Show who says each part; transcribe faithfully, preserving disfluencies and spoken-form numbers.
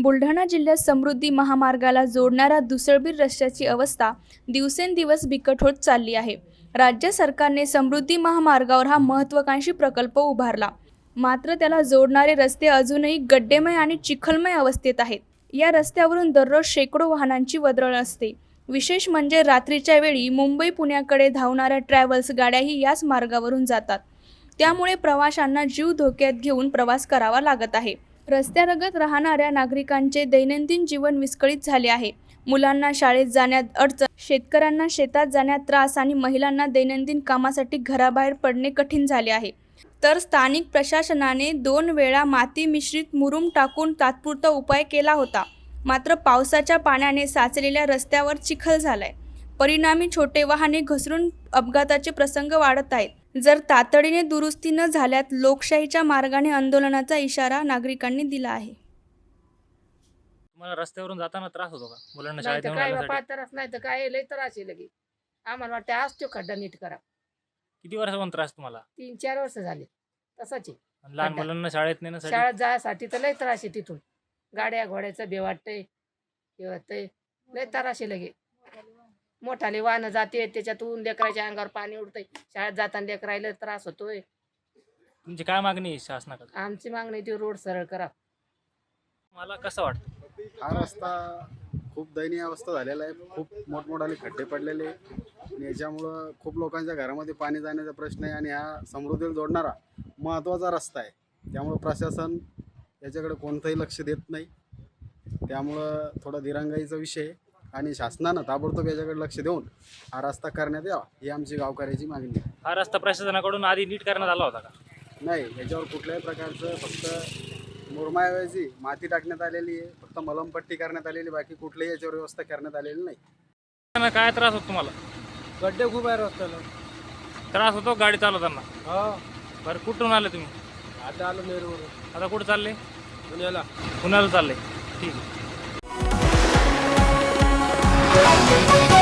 Speaker 1: बुलढाणा जिल्ह्यात समृद्धी महामार्गाला जोडणाऱ्या दुसळबीर रस्त्याची अवस्था दिवसेंदिवस बिकट होत चालली आहे। राज्य सरकारने समृद्धी महामार्गावर हा महत्त्वाकांक्षी प्रकल्प उभारला, मात्र त्याला जोडणारे रस्ते अजूनही गड्डेमय आणि चिखलमय अवस्थेत आहेत। या रस्त्यावरून दररोज शेकडो वाहनांची वर्दळ असते। विशेष म्हणजे रात्रीच्या वेळी मुंबई पुण्याकडे धावणाऱ्या ट्रॅव्हल्स गाड्याही याच मार्गावरून जातात, त्यामुळे प्रवाशांना जीव धोक्यात घेऊन प्रवास करावा लागत आहे। रस्त्यालगत राहणाऱ्या नागरिकांचे दैनंदिन जीवन विस्कळीत झाले आहे। मुलांना शाळेत जाण्यात अडचण, शेतकऱ्यांना शेतात जाण्यात त्रास आणि महिलांना दैनंदिन कामासाठी घराबाहेर पडणे कठीण झाले आहे। तर स्थानिक प्रशासनाने दोन वेळा माती मिश्रित मुरुम टाकून तात्पुरता उपाय केला होता, मात्र पावसाच्या पाण्याने साचलेल्या रस्त्यावर चिखल झालाय। परिणामी छोटे वाहने घसरून अपघाताचे प्रसंग वाढत आहेत। जर तातडीने दुरुस्ती न झाल्यास लोकशाहीच्या मार्गाने आंदोलनाचा इशारा नागरिकांनी दिला आहे।
Speaker 2: तुम्हाला रस्त्यावरून जाताना त्रास होतो का? मुलांना
Speaker 3: नाही
Speaker 2: शाळेत
Speaker 3: तर
Speaker 2: घेऊन
Speaker 3: काय
Speaker 2: जाण्यासाठी?
Speaker 3: बापा त्रास नाही तर काय लय त्रास आहे लगे। आम्हाला वाटतं आज तो खड्डा नीट करा।
Speaker 2: किती वर्षापासून त्रास तुम्हाला?
Speaker 3: तीन चार वर्ष झाले तसाच आहे।
Speaker 2: आणि लहान
Speaker 3: खड्डा.
Speaker 2: मुलांना शाळेत नेण्यासाठी?
Speaker 3: शाळेत जायसाठी तर लय त्रास आहे तिथून। गाड्या घोड्याचं बे वाटतंय, हे वाटतंय, लय त्रास आहे लगे। मोठाले वाहनं जाते त्याच्यातून लेकराच्या अंगावर पाणी उडतंय, शाळेत जाताना लेकरायला त्रास होतोय।
Speaker 2: तुमची काय मागणी आहे शासनाकडे?
Speaker 3: आमची मागणी ती रोड सरळ करा।
Speaker 2: मला कसं वाटतं?
Speaker 4: हा रस्ता खूप दयनीय अवस्था झालेला आहे। खूप मोठमोठाले खड्डे पडलेले आहे आणि याच्यामुळं खूप लोकांच्या घरामध्ये पाणी जाण्याचा प्रश्न आहे आणि हा समृद्धीला जोडणारा महत्त्वाचा रस्ता आहे। त्यामुळं प्रशासन याच्याकडे कोणतंही लक्ष देत नाही। त्यामुळं थोडा दिरंगाईचा विषय आहे आणि शासनानं ताबडतोब याच्याकडे लक्ष देऊन हा रस्ता करण्यात यावा ही आमची गावकऱ्याची मागणी आहे।
Speaker 2: हा रस्ता प्रशासनाकडून आधी नीट करण्यात आला होता का?
Speaker 4: नाही, याच्यावर कुठल्याही प्रकारचं फक्त मुरमाऐवजी माती टाकण्यात आलेली आहे, फक्त मलमपट्टी करण्यात आलेली, बाकी कुठलीही याच्यावर व्यवस्था करण्यात आलेली नाही।
Speaker 2: त्यांना काय त्रास होतो तुम्हाला?
Speaker 5: गड्डे खूप आहे रस्त्याला।
Speaker 2: त्रास होतो गाडी चालवताना?
Speaker 5: हा,
Speaker 2: बरं, कुठून आले तुम्ही?
Speaker 5: आता आलो नेरूवरून
Speaker 2: आता कुठं चालले?
Speaker 5: पुण्याला।
Speaker 2: पुण्याला चालले? ठीक आहे।